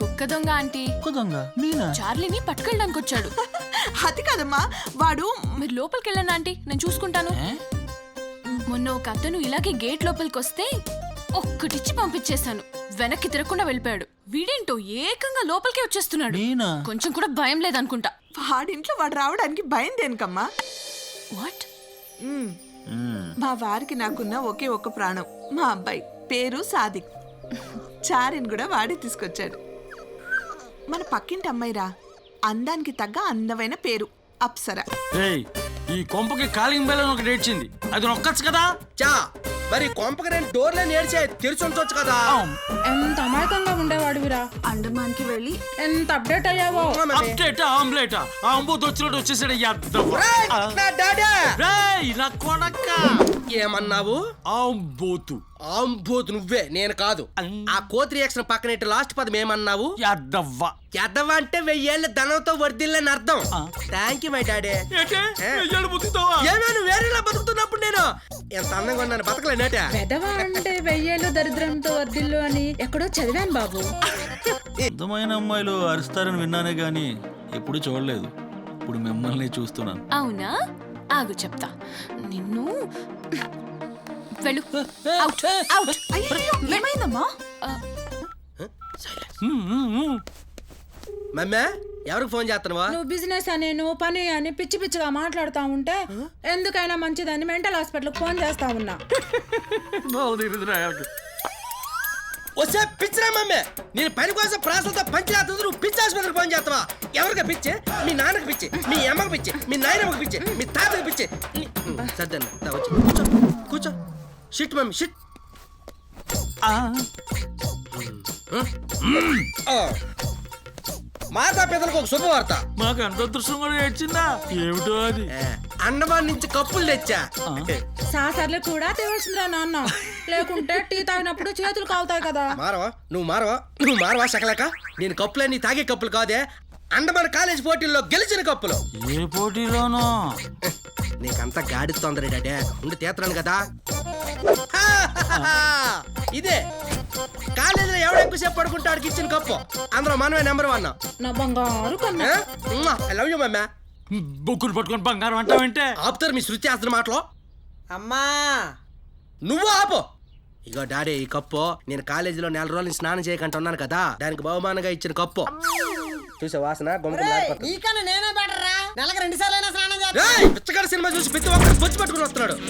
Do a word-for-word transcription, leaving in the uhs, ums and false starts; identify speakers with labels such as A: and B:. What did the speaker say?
A: కుక్క దొంగ ఆంటీ.
B: కుక్క దొంగ నేనా?
A: చార్లీని పట్టుకెళ్ళడానికి వచ్చాడు.
C: అది కదమ్మా వాడు.
A: మీరు లోపలికి వెళ్ళండి ఆంటీ, నేను చూసుకుంటాను. మొన్న ఒక అతను ఇలాగే గేట్ లోపలికి వస్తే ఒక్కటిచ్చి పంపించేశాను. వెనక్కి తిరగకుండా వెళ్ళిపోయాడు. వీడేంటో ఏకంగా లోపలికి వచ్చేస్తున్నాడు. కొంచెం కూడా భయం లేదనుకుంటా.
C: వాడింట్లో వాడు రావడానికి భయం దేనికమ్మా?
A: వాట్?
C: మా వారికి నాకున్న ఒకే ఒక్క ప్రాణం మా అబ్బాయి, పేరు సాదిక్. చారిని కూడా వాడే తీసుకొచ్చాడు. మన పక్కింటి అమ్మాయిరా, అందానికి తగ్గ అందమైన పేరు అప్సర.
B: ఈ కొంపకి కాలింగ్ బెల్ ఒకటి ఏడ్చింది, అది నొక్కచ్చు కదా.
D: చా మరి కొంపకి రెండు డోర్లని ఏడ్చే తెరిచి ఉంచొచ్చు కదా.
E: ఎంత అమాయకంగా ఉండేవాడివిరా.
C: అండమాన్కి వెళ్ళి
E: ఎంత అప్డేట్ అయ్యావో.
B: అప్డేట్ ఆమ్లెట్ ఆంబోతు వచ్చినట్టు వచ్చేసాడు.
D: నా డాడీ
B: నా కొడక
D: ఏమన్నావు?
B: ఆంబోతు.
D: ఆంబోతు నువ్వే, నేను కాదు. ఆ కోతి రియాక్షన్ పక్కన లాస్ట్ పదం ఏమన్నావు?
B: యాదవ్వ.
D: యాదవ్వ అంటే వెయ్యేళ్ళ ధనంతో వర్దిల్లని అర్థం. Thank you my daddy. ఏమేను వేరేలా బతుకుతున్నప్పుడు నేను ఎంత అందంగా ఉన్నాను, బతకలేనట.
E: వెదవ అంటే వెయ్యేళ్ళు దరిద్రంతో వర్దిల్లు అని ఎక్కడో చదివాను బాబు.
F: అందమైన అమ్మాయిలు అరుస్తారని విన్నానే గాని ఎప్పుడు చూడలేదు. ఇప్పుడు మిమ్మల్ని చూస్తున్నాను.
A: అవునా? ఆగు చెప్తా. నిన్ను వెళ్ళు. Out, out.
C: ఏమైందమ్మా?
D: మమ్మే ఎవరికి ఫోన్ చేస్తున్నావా?
E: నువ్వు బిజినెస్ అని నువ్వు పని అని పిచ్చి పిచ్చిగా మాట్లాడుతా ఉంటే ఎందుకైనా మంచిదని మెంటల్ హాస్పిటల్ ఫోన్ చేస్తా ఉన్నా.
D: వస్తే పిచ్చిరా మమ్మే, నేను పని కోసం ప్రాసంతో పంచాయతీ నువ్వు పిచ్చి హాస్పిటల్కి ఫోన్ చేస్తావా? ఎవరికి పిచ్చి? మీ నాన్నకి పిచ్చి, మీ అమ్మకి పిచ్చి, మీ నాయనమ్మకి పిచ్చి, మీ తాతకి పిచ్చి. సర్దన్న వచ్చి కూర్చో కూర్చో. Shit mummy shit. మాతా పిల్లలకు ఒక శుభవార్త.
B: మాకు అంత అదృష్టం కూడా ఏడ్చిందా? ఏమిటో అది.
D: అండమాన్ నుంచి కప్పులు తెచ్చా.
E: సాసర్లు కూడా తేవాల్సిందిరా నాన్న, లేకుంటే టీ తాగినప్పుడు చేతులు కావుతాయి కదా.
D: మారవా నువ్వు మారవా నువ్వు మారవా సకలేక. నేను కప్పులన్నీ తాగే కప్పులు కాదే, అండమాన్ కాలేజ్ పోటీల్లో గెలిచిన కప్పులు.
B: ఏ పోటీలోనో?
D: నీకంతా గాడి తొందర డాడే, ఉండి తీస్తున్నాను కదా. ఇదే కాలేజీలో ఎవడ ఎక్కువసేపు పడుకుంటాడికి ఇచ్చిన కప్పు. అందులో మనమే నెంబర్ వన్.
E: నా బంగారు కన్నా.
D: ఐ లవ్ యూ మమ్మా.
B: బొక్కులు పట్టుకొని బంగారం అంటావంటే
D: ఆపుతారు మీ శృతి చేస్తున్న మాటలో.
C: అమ్మా
D: నువ్వు ఆపు. ఇగో డాడీ, ఈ కప్పు నేను కాలేజీలో నెల రోజులు స్నానం చేయకుండా ఉన్నాను కదా, దానికి బహుమానంగా ఇచ్చిన కప్పు. చూసే వాసన
C: నీకన్నా నేనే బెటర్ రా. నెలకు రెండు సార్లు స్నానం
D: పిచ్చగాడి సినిమా చూసి ప్రతి ఒక్కరు బొచ్చు పట్టుకుని వస్తున్నాడు.